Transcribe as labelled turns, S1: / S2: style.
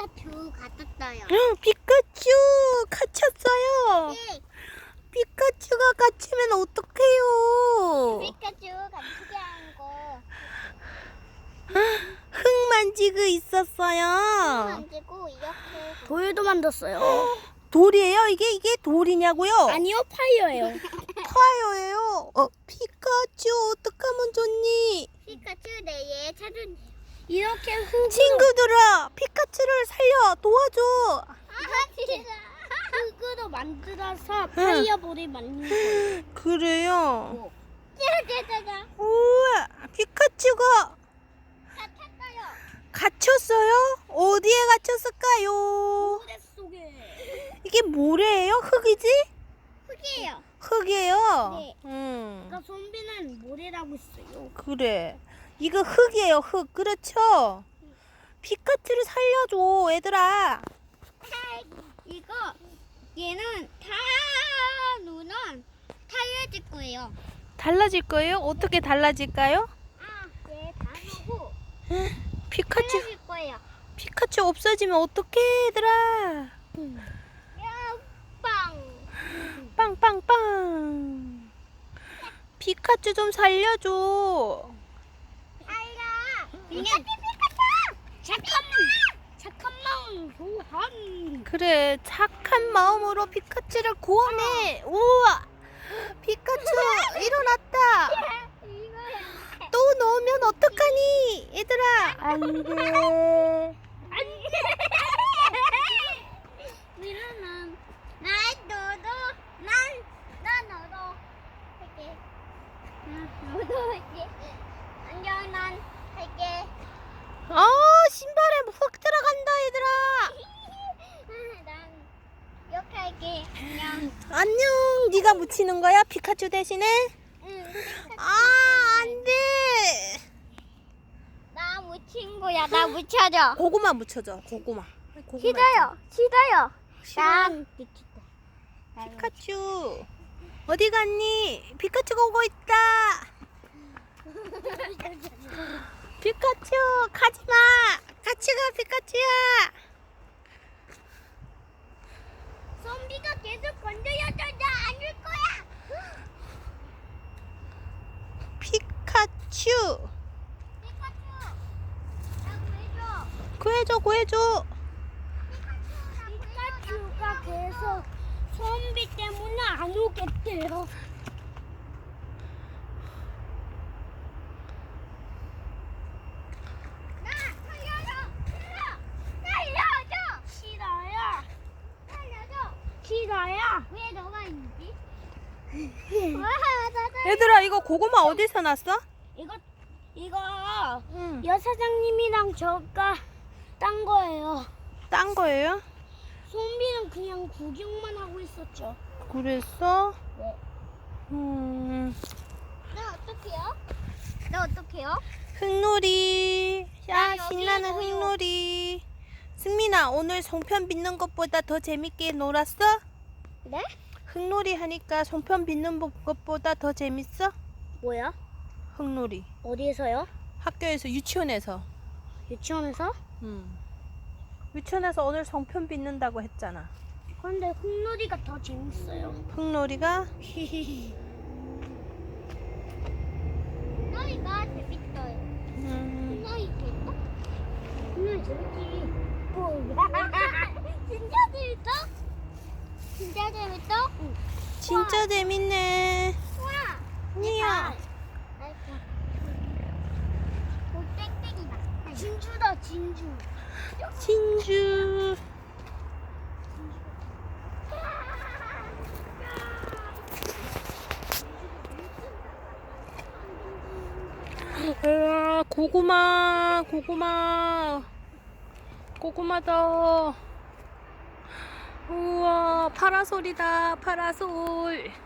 S1: 피카츄 같았어요.
S2: 피카츄 갇혔어요.
S1: 네.
S2: 피카츄가 갇히면 어떡해요?
S1: 피카츄 같이 한 거.
S2: 흙 만지고 있었어요.
S1: 만지고 이렇게.
S3: 돌도 만들었어요.
S2: 돌이에요? 이게 돌이냐고요?
S3: 아니요, 파이어예요.
S2: 파이어예요. 피카츄 어떡하면 좋니?
S1: 피카츄 내에 찾은.
S3: 이렇게 흙으로,
S2: 친구들아, 피카츄를 살려 도와줘.
S3: 흙으로 만들어서 파이어볼을 만든 거예요.
S2: 그래요?
S1: 짜자자자.
S2: 우와, 피카츄가
S1: 같았어요.
S2: 갇혔어요? 어디에 갇혔을까요?
S3: 모래 속에.
S2: 이게 모래예요? 흙이지?
S1: 흙이에요.
S2: 흙이에요?
S1: 네.
S3: 그러니까 좀비는 모래라고 했어요.
S2: 그래. 이거 흙이에요, 흙. 그렇죠? 피카츄를 살려줘, 얘들아.
S1: 이거 얘는 다 누는 달라질 거예요.
S2: 달라질 거예요? 어떻게 달라질까요?
S1: 얘다 넣고
S2: 피카츄,
S1: 달라질 거예요.
S2: 피카츄 없어지면 어떡해, 얘들아.
S1: 야, 빵.
S2: 빵빵빵. 피카츄 좀 살려줘.
S1: 알라. 피카츄.
S3: 착한 마음 소환.
S2: 그래, 착한 마음으로 피카츄를 구원해. 우와, 피카츄 일어났다.
S1: 이거야.
S2: 또 넣으면 어떡하니, 얘들아? 안 돼.
S1: 미루는 난 너도 할게. 너도 할게. 안녕 난 할게.
S2: 신발에 훅 들어간다, 얘들아.
S1: 난 이렇게 할게. 안녕.
S2: 안녕. 네가 묻히는 거야, 피카츄 대신에?
S1: 응.
S2: 안 돼.
S1: 나 묻힌 거야. 나 묻혀줘.
S2: 고구마 묻혀줘, 고구마.
S1: 싫어요. 싫어요.
S2: 싫어?
S1: 난
S2: 피카츄 어디 갔니? 피카츄가 오고 있다. 피카츄 가지마. 같이 가, 피카츄야.
S1: 좀비가 계속 건드려줘. 나 안 줄 거야.
S2: 피카츄
S1: 피카츄. 나 구해줘.
S2: 구해줘, 구해줘.
S3: 피카츄가 계속 좀비 때문에 안 오겠대요.
S1: 나 살려줘. 살려줘.
S3: 싫어요.
S1: 살려줘.
S3: 싫어요.
S1: 왜 너가 있지?
S2: 얘들아, 이거 고구마 어디서 났어?
S3: 이거
S2: 응.
S3: 여사장님이랑 저가 딴 거예요.
S2: 딴 거예요?
S3: 좀비는 그냥 구경만 하고 있었죠.
S2: 그랬어?
S3: 네.
S1: 나 어떡해요? 나 어떡해요?
S2: 흙놀이. 야,
S1: 나 여기
S2: 신나는
S1: 있어요.
S2: 흙놀이. 승민아, 오늘 송편 빚는 것보다 더 재밌게 놀았어?
S1: 네?
S2: 흙놀이 하니까 송편 빚는 것보다 더 재밌어?
S3: 뭐야?
S2: 흙놀이.
S3: 어디에서요?
S2: 학교에서, 유치원에서.
S3: 유치원에서?
S2: 유치원에서 오늘 송편 빚는다고 했잖아.
S3: 근데 흙놀이가 더 재밌어요.
S2: 흙놀이가?
S1: 너희가 재밌어요. 너희 재밌어?
S3: 흙놀이 재밌지.
S1: 진짜 재밌어? 진짜 재밌어?
S2: 진짜 재밌네.
S1: 우와.
S2: 니야.
S1: 오, 땡땡이다.
S3: 진주다, 진주.
S2: 진주. 우와, 고구마, 고구마. 고구마다. 우와, 파라솔이다, 파라솔.